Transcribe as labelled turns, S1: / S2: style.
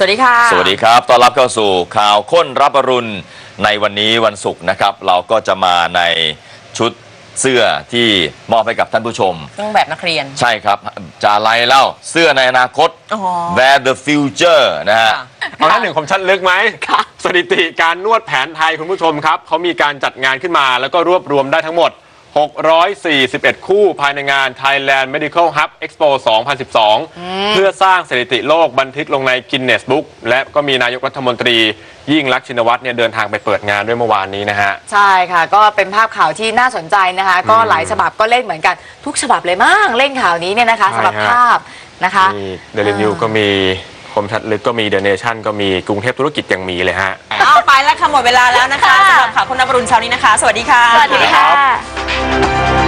S1: วัสดีค่ะ
S2: สวัสดีครับต้อนรับเข้าสู่ข่าวค้นรับอรุณในวันนี้วันศุกร์นะครับเราก็จะมาในชุดเสื้อที่มอบให้กับท่านผู้ชม
S1: เครื่องแบบนักเรียน
S2: ใช่ครับจาไลเล่าเสื้อในอนาคต Where the Future นะฮะ
S3: เอาหน้าหนึ่งคมชัดลึกไหมสถิติการนวดแผนไทยคุณผู้ชมครับเขามีการจัดงานขึ้นมาแล้วก็รวบรวมได้ทั้งหมด641 คู่ภายในงาน Thailand Medical Hub Expo 2012 เพื่อสร้างสถิติโลกบันทึกลงใน Guinness Book และก็มีนายกรัฐมนตรียิ่งลักษณ์ชินวัตรเนี่ยเดินทางไปเปิดงานด้วยเมื่อวานนี้นะฮะ
S1: ใช่ค่ะก็เป็นภาพข่าวที่น่าสนใจนะคะก็หลายฉบับก็เล่นเหมือนกันทุกฉบับเลยมั้งเล่นข่าวนี้เนี่ยนะคะสำหรับภาพนะคะ
S3: มี Daily News ก็มีคมชัดลึกก็มี The Nation ก็มีกรุงเทพธุรกิจยังมีเลยฮะ
S4: เอาไปแล้วค่ะหมดเวลาแล้วนะคะสำหรับข่าวคุณนภรุณเช้านี้นะคะสวัสดีค่ะ
S1: สวัสดีค่ะ